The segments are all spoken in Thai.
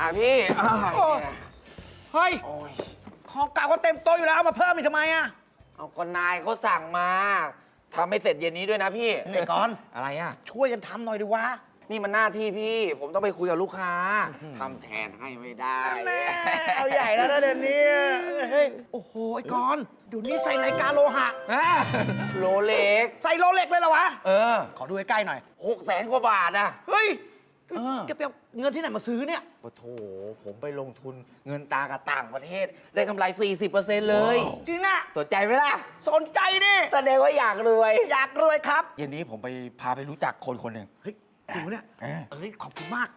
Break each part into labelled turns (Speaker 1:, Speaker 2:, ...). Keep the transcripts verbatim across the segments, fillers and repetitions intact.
Speaker 1: อ่ะพี่
Speaker 2: เฮ้ยของเก่าก็เต็มโต๊ะอยู่แล้วเอามาเพิ่มอีกทำไมอ่ะ
Speaker 1: เอาคนนายเขาสั่งมาทำให้เสร็จเย็นนี้ด้วยนะพี่
Speaker 2: ไอ้ก้อน
Speaker 1: อะไรอ่ะ
Speaker 2: ช่วยกันทำหน่อยดิวะ
Speaker 1: นี่มันหน้าที่พี่ ผมต้องไปคุยกับลูกค้าทำแทนให้ไม่ได้
Speaker 2: แม่เอาใหญ่แล้วนะเดี๋ยวนี้เฮ้ยโอ้โหไอ้ก้อนเดี๋ยวนี้ใส่นาฬิกาโลหะ
Speaker 1: โลเล็ก
Speaker 2: ใส่โลเล็กเลยเหรอวะ
Speaker 1: เออ
Speaker 2: ขอดูใกล้ๆหน่อย
Speaker 1: หกแสนกว่าบาทอ่ะ
Speaker 2: เฮ้ย
Speaker 1: เออ
Speaker 2: แกไปเอาเงินที่ไหนมาซื้อเนี่ย
Speaker 1: โอ้โถผมไปลงทุนเงินตากับต่างประเทศ ได้กำไร สี่สิบเปอร์เซ็นต์ เลย
Speaker 2: จริงอ่ะ
Speaker 1: สนใจไหมล่ะ
Speaker 2: สนใจดิ
Speaker 1: แสดงว่าอยากรวย
Speaker 2: อยากรวยครับ
Speaker 1: เย็นนี้ผมไปพาไปรู้จักคนคนหนึ่ง
Speaker 2: เฮ้ยจริงปะเนี่ย
Speaker 1: เออ
Speaker 2: เอ้ยขอบคุณมาก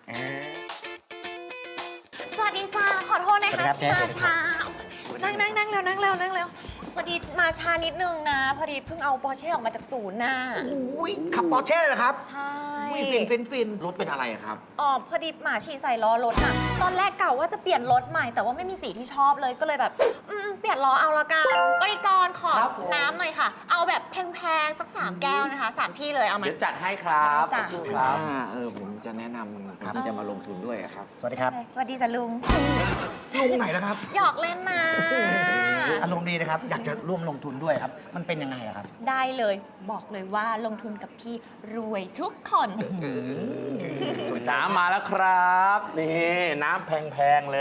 Speaker 3: สวัสดีจ้าขอโทษนะ
Speaker 2: สวัสดีครั
Speaker 3: คะ
Speaker 2: บเจ๊
Speaker 3: มาช้านั่งนั่งนั่งเร็วนั่งเร็วนั่งเร็วพอดีมาช้านิดนึงนะ พอดีเพิ่งเอาปอร์เช่ออกมาจากศูนย์น่ะ
Speaker 2: โอ้ยขับปอร์เช่เลยเหรอครับ
Speaker 3: ใช่
Speaker 2: อุ้ยฟินฟินฟิน
Speaker 1: รถเป็นอะไรอะครับ
Speaker 3: อ๋อพอดีหมาฉี่ใส่ล้อรถน่ะตอนแรกเก่าว่าจะเปลี่ยนรถใหม่แต่ว่าไม่มีสีที่ชอบเลยก็เลยแบบอืมเปลี่ยนล้อเอาละกันบริกรขอน้ำหน่อยค่ะ เอาแบบแพงๆสักสามแก้วนะคะสามที่เลยเอามา
Speaker 4: เดี๋ยวจัดให้ครับ
Speaker 3: จ้ะ
Speaker 4: สู้ครับ
Speaker 1: อ่าเออผมจะแนะนำคนที่จะมาลงทุนด้วยอะครับ
Speaker 2: สวัสดีครับ
Speaker 3: สวัสดีจ้ะลุง
Speaker 2: ลุงไหนแล้วครับ
Speaker 3: หยอกเล่นนะ
Speaker 2: อารมณ์ดีนะครับ อยากจะร่วมลงทุนด้วยครับ มันเป็นยังไงอะครับ
Speaker 3: ได้เลยบอกเลยว่าลงทุนกับพี่รวยทุกคน
Speaker 2: สนใจ
Speaker 4: น้ำมาแล้วครับ นี่น้ำแพงๆเลย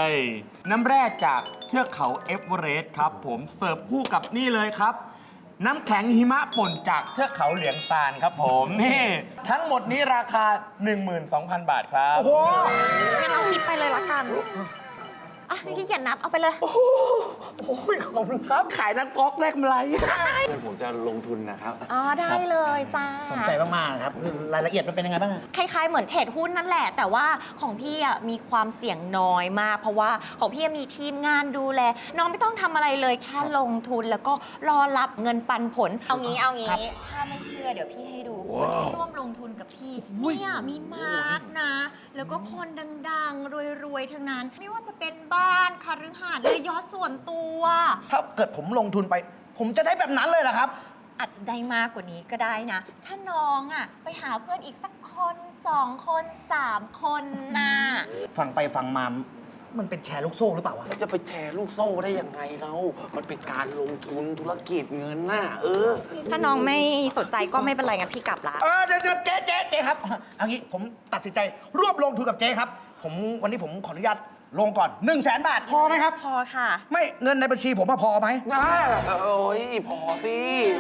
Speaker 4: น้ำแร่จากเทือกเขาเอเวอเรสต์ครับผมเสิร์ฟคู่กับนี่เลยครับ น้ำแข็งหิมะป่นจากเทือกเขาเหลียงซานครับผมนี่ทั้งหมดนี้ราคา หนึ่งหมื่นสองพัน บาทครับ
Speaker 2: โอ้โห
Speaker 3: งั้นเอาคิดไปเลยละกัน อ่ะนี่ขี้เกียจนับเอาไปเลย
Speaker 4: โอ้ยขอบคุณครับ ขายน้ำก๊อกแรกกำไร
Speaker 1: ผมจะลงทุนนะครับ
Speaker 3: อ๋อ ได้เลยจ้า
Speaker 2: สนใจมากๆครับคือรายละเอียดมันเป็นยังไงบ้างอะ
Speaker 3: คล้ายๆ เหมือนเทรดหุ้นนั่นแหละ แต่ว่าของพี่อ่ะมีความเสี่ยงน้อยมาก เพราะว่าของพี่มีทีมงานดูแล น้องไม่ต้องทำอะไรเลย แค่ลงทุนแล้วก็รอรับเงินปันผล เอางี้เอางี้ ถ้าไม่เชื่อเดี๋ยวพี่ให้ดูคนที่ร่วมลงทุนกับพี่ เนี่ยมีมาร์กนะ แล้วก็คนดังๆ รวยๆ ทั้งนั้น ไม่ว่าจะเป็นบ้านคฤหาสน์เลยยอดส่วนตัว
Speaker 2: ถ้าเกิดผมลงทุนไป ผมจะได้แบบนั้นเลยเหรอครับ
Speaker 3: อาจจะได้มากกว่านี้ก็ได้นะ ถ้าน้องอ่ะไปหาเพื่อนอีกสักคนสองคนสามคนนะ
Speaker 2: ฟังไปฟังมา มันเป็นแชร์ลูกโซ่หรือเปล่าวะ
Speaker 1: จะไปแชร์ลูกโซ่ได้ยังไงเรา มันเป็นการลงทุนธุรกิจเงินน่ะ เออ
Speaker 3: ถ้าน้องไม่สนใจก็ไม่เป็นไรงั้นพี่กลับละ
Speaker 2: เออเดี๋ยวเดี๋ยวเจ๊เจ๊เจ๊ครับเอางี้ผมตัดสินใจร่วมลงทุนกับเจ๊ครับ ผมวันนี้ผมขออนุญาตลงก่อน1นึ่งแสนบาทพอไหมครับ
Speaker 3: พอค่ะ
Speaker 2: ไม่เงินในบัญชีผมอะพอไหม
Speaker 1: น่าโอ้ย พอสิ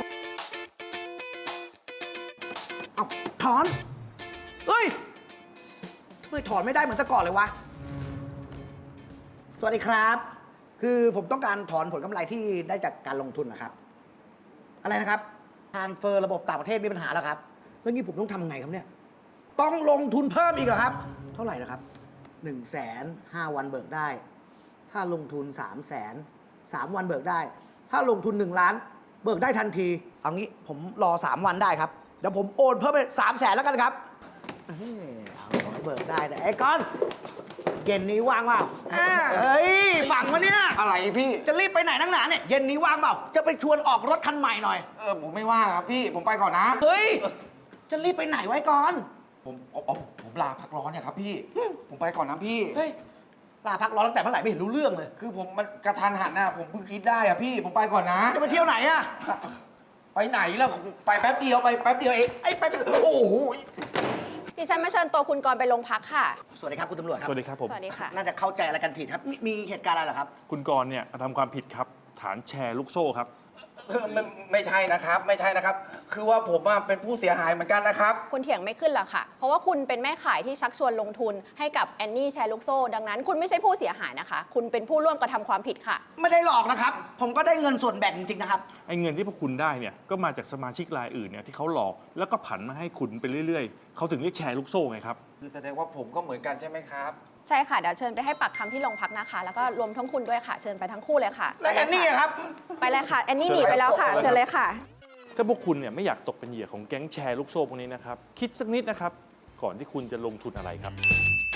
Speaker 2: เอาถอน เฮ้ยทำไมถอนไม่ได้เหมือนแต่ก่อนเลยวะ สวัสดีครับ คือผมต้องการถอนผลกำไรที่ได้จากการลงทุนนะครับ อะไรนะครับทรานสเฟอร์ระบบต่างประเทศมีปัญหาแล้วครับแล้วงี้ผมต้องทำไงครับเนี่ย ต้องลงทุนเพิ่มอีกเหรอครับ เท่าไหร่นะครับหนึ่งแสนห้าวันเบิกได้ ถ้าลงทุนสามแสนสามวันเบิกได้ ถ้าลงทุนหนึ่งล้าน เบิกได้ทันที เอางี้ผมรอสามวันได้ครับ เดี๋ยวผมโอนเพิ่มไปสามแสนแล้วกันครับเอ้ยเอาขอให้เบิกได้แต่ไอ้ก้อนเย็นนี้ว่างเปล่าเฮ้ยฝังมาเนี่ย
Speaker 1: อะไรพี่
Speaker 2: จะรีบไปไหนนักหนาเนี่ย เย็นนี้ว่างเปล่า จะไปชวนออกรถคันใหม่หน่อย
Speaker 1: เออ ผมไม่ว่าครับพี่ ผมไปก่อนนะ
Speaker 2: เฮ้ย จะรีบไปไหนไว้ก่อน
Speaker 1: ผมอ๋ออ๋อผมลาพักร้อนเนี่ยครับพี่ ผมไปก่อนนะพี่
Speaker 2: เฮ้ย ลาพักร้อนตั้งแต่เมื่อไหร่ไม่เห็นรู้เรื่องเลย
Speaker 1: คือผมมันกระทันหันนะผมเพิ่งคิดได้อะพี่ ผมไปก่อนนะ
Speaker 2: จะไปเที่ยวไหนอะ
Speaker 1: ไปไหนแล้วไปแป๊บเดียวไปแป๊บเดียวเองไอ้ไปโอ้โห
Speaker 5: ดิฉันมาเชิญตัวคุณกรณ์ไปโรงพักค่ะ
Speaker 2: สวัสดีครับคุณตำรวจครับ
Speaker 6: สวัสดีครับผม
Speaker 5: สวัสดีค่ะ
Speaker 2: น่าจะเข้าใจอะไรกันผิดครับ มีมีเหตุการณ์อะไรเหรอครับ
Speaker 6: คุณกรณ์เนี่ยทำความผิดครับ ฐานแชร์ลูกโซ่ครับ
Speaker 1: เออไม่ไม่ใช่นะครับ ไม่ใช่นะครับ คือว่าผมอะเป็นผู้เสียหายเหมือนกันนะครับ
Speaker 5: คุณเถียงไม่ขึ้นหรอกค่ะ เพราะว่าคุณเป็นแม่ขายที่ชักชวนลงทุนให้กับแอนนี่แชร์ลูกโซ่ ดังนั้นคุณไม่ใช่ผู้เสียหายนะคะ คุณเป็นผู้ร่วมกระทำความผิดค่ะ
Speaker 2: ไม่ได้หลอกนะครับ ผมก็ได้เงินส่วนแบ่งจริงๆนะครับ
Speaker 6: ไอ้เงินที่พวกคุณได้เนี่ยก็มาจากสมาชิกรายอื่นเนี่ยที่เขาหลอกแล้วก็ผันมาให้คุณไปเรื่อยๆ เขาถึงเรียกแชร์ลูกโซ่ไงครับ
Speaker 1: คือแสดงว่าผมก็เหมือนกันใช่ไหมครับ
Speaker 5: ใช่ค่ะ เดี๋ยวเชิญไปให้ปากคำที่โรงพักนะคะ แล้วก็รวมทั้งคุณด้วยค่ะ เชิญไปทั้งคู่เลยค่ะ
Speaker 2: แล้วแอนนี่อะครับ
Speaker 5: ไปเลยค่ะ แอนนี่หนีไปแล้วค่ะ เชิญเลยค่ะ
Speaker 6: ถ้าพวกคุณเนี่ยไม่อยากตกเป็นเหยื่อของแก๊งแชร์ลูกโซ่พวกนี้นะครับ คิดสักนิดนะครับ ก่อนที่คุณจะลงทุนอะไรครับ